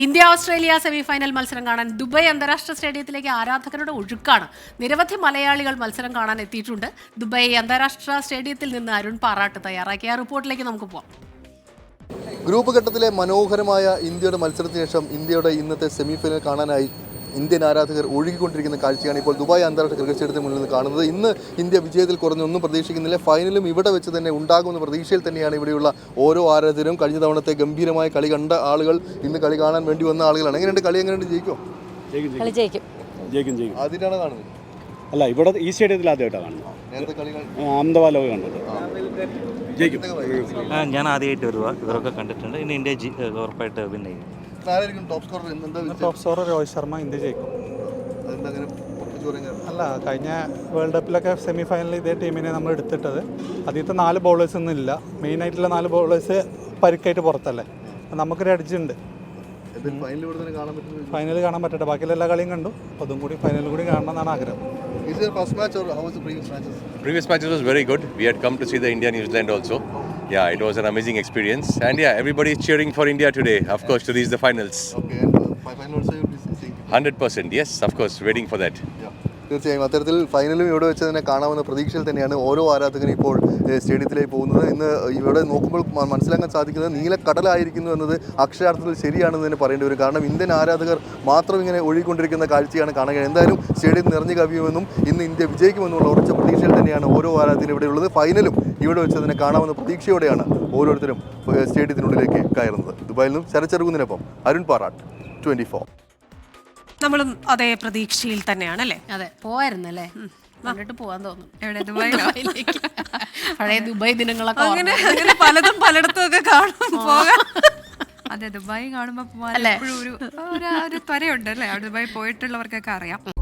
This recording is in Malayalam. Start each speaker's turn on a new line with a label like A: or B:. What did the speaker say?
A: ഇന്ത്യ ഓസ്ട്രേലിയ സെമിഫൈനൽ മത്സരം കാണാൻ ദുബായ് അന്താരാഷ്ട്ര സ്റ്റേഡിയത്തിലേക്ക് ആരാധകരുടെ ഒഴുക്കാണ്. നിരവധി മലയാളികൾ മത്സരം കാണാൻ എത്തിയിട്ടുണ്ട്. ദുബായ് അന്താരാഷ്ട്ര സ്റ്റേഡിയത്തിൽ നിന്ന് അരുൺ പാറാട്ട് തയ്യാറാക്കിയ റിപ്പോർട്ടിലേക്ക് നമുക്ക് പോകാം.
B: ഗ്രൂപ്പ് ഘട്ടത്തിലെ മനോഹരമായ ഇന്ത്യയുടെ മത്സരത്തിന് ശേഷം ഇന്ത്യയുടെ ഇന്നത്തെ സെമിഫൈനൽ കാണാനായി ഇന്ത്യൻ ആരാധകർ ഒഴുകിക്കൊണ്ടിരിക്കുന്ന കാഴ്ചയാണ് ഇപ്പോൾ ദുബായ് അന്താരാഷ്ട്ര ക്രിക്കറ്റ് സ്റ്റേഡിയത്തിന് മുന്നിൽ നിന്ന് കാണുന്നത്. ഇന്ന് ഇന്ത്യ വിജയത്തിൽ കുറഞ്ഞൊന്നും പ്രതീക്ഷിക്കുന്നില്ല. ഫൈനലും ഇവിടെ വെച്ച് തന്നെ ഉണ്ടാകുമെന്ന പ്രതീക്ഷയിൽ തന്നെയാണ് ഇവിടെയുള്ള ഓരോ ആരാധകരും. കഴിഞ്ഞ തവണത്തെ ഗംഭീരമായ കളി കണ്ട ആളുകൾ ഇന്ന് കളി കാണാൻ വേണ്ടി വന്ന ആളുകളാണ്. എങ്ങനെയുണ്ട് കളി? എങ്ങനെയുണ്ട്? ജയിക്കും? ആദ്യമായിട്ടാണ് കാണുന്നത്?
C: അല്ല, ഇവിടെ ഈ സ്റ്റേഡിയത്തിൽ ആദ്യമായിട്ടാണ് കാണുന്നത്.
B: നേരത്തെ കളി
C: അഹമ്മദാബാദ് കണ്ടത്. ജയിക്കും.
D: ഞാൻ ആദ്യമായിട്ട് വരുക, ഇവരൊക്കെ കണ്ടിട്ടുണ്ട്. ഇനി ഇന്ത്യ ഉറപ്പായിട്ട് വിൻ ചെയ്യും.
E: Top scorer Rohit Sharma. India ജയിക്കും. അല്ല, കഴിഞ്ഞ വേൾഡ് കപ്പിലൊക്കെ സെമി ഫൈനലിൽ ഇതേ ടീമിനെ നമ്മൾ എടുത്തിട്ടത്. ആദ്യത്തെ 4 ബൗളേഴ്സ് ഒന്നും ഇല്ല. മെയിനായിട്ടുള്ള 4 ബൗളേഴ്സ് പരിക്കായിട്ട് പുറത്തല്ലേ. നമുക്കൊരു എഡ്ജ് ഉണ്ട്. ഫൈനൽ കാണാൻ പറ്റട്ടെ. ബാക്കിയുള്ള എല്ലാ കളിയും കണ്ടു. അതും കൂടി ഫൈനൽ കൂടി കാണണമെന്നാണ് ആഗ്രഹം.
B: Is it your first match or how was the previous matches?
F: Previous matches was very good. We had come to see the India-New Zealand also. Yeah, it was an amazing experience. And yeah, everybody is cheering for India today, of course, to reach the finals.
B: Okay, and final also you will be seeing?
F: 100%, yes, of course, waiting for that.
B: Yeah. തീർച്ചയായും അത്തരത്തിൽ ഫൈനലും ഇവിടെ വെച്ച് തന്നെ കാണാവുന്ന പ്രതീക്ഷയിൽ തന്നെയാണ് ഓരോ ആരാധകനും ഇപ്പോൾ സ്റ്റേഡിയത്തിലേക്ക് പോകുന്നത്. ഇന്ന് ഇവിടെ നോക്കുമ്പോൾ മനസ്സിലാക്കാൻ സാധിക്കുന്നത് നീലക്കടലായിരിക്കുന്നു എന്നത് അക്ഷരാർത്ഥത്തിൽ ശരിയാണെന്ന് തന്നെ പറയേണ്ടി വരും. കാരണം ഇന്ത്യൻ ആരാധകർ മാത്രം ഇങ്ങനെ ഒഴുകിക്കൊണ്ടിരിക്കുന്ന കാഴ്ചയാണ് കാണുക. എന്തായാലും സ്റ്റേഡിയം നിറഞ്ഞു കവിയുമെന്നും ഇന്ന് ഇന്ത്യ വിജയിക്കുമെന്നുള്ള ഉറച്ച പ്രതീക്ഷയിൽ തന്നെയാണ് ഓരോ ആരാധകരും ഇവിടെ ഉള്ളത്. ഫൈനലും ഇവിടെ വെച്ച് തന്നെ കാണാവുന്ന പ്രതീക്ഷയോടെയാണ് ഓരോരുത്തരും സ്റ്റേഡിയത്തിനുള്ളിലേക്ക് കയറുന്നത്. ദുബായിൽ നിന്നും ശരച്ചെറുകുന്നതിനൊപ്പം അരുൺ പാറാട്ട്, 24.
A: നമ്മളും അതേ പ്രതീക്ഷയിൽ തന്നെയാണ് അല്ലേ?
G: അതെ, പോവായിരുന്നല്ലേ?
A: കണ്ടിട്ട് പോവാൻ തോന്നും.
G: എവിടെ? ദുബായിലേക്ക്.
A: പഴയ ദുബായ് ദിനങ്ങളൊക്കെ
G: അങ്ങനെ പലതും പലയിടത്തും ഒക്കെ കാണും പോകാം. അതെ, ദുബായ് കാണുമ്പോ പോകാൻ എപ്പോഴും ഒരു ത്വരയുണ്ട് അല്ലേ? ദുബായ് പോയിട്ടുള്ളവർക്കൊക്കെ അറിയാം.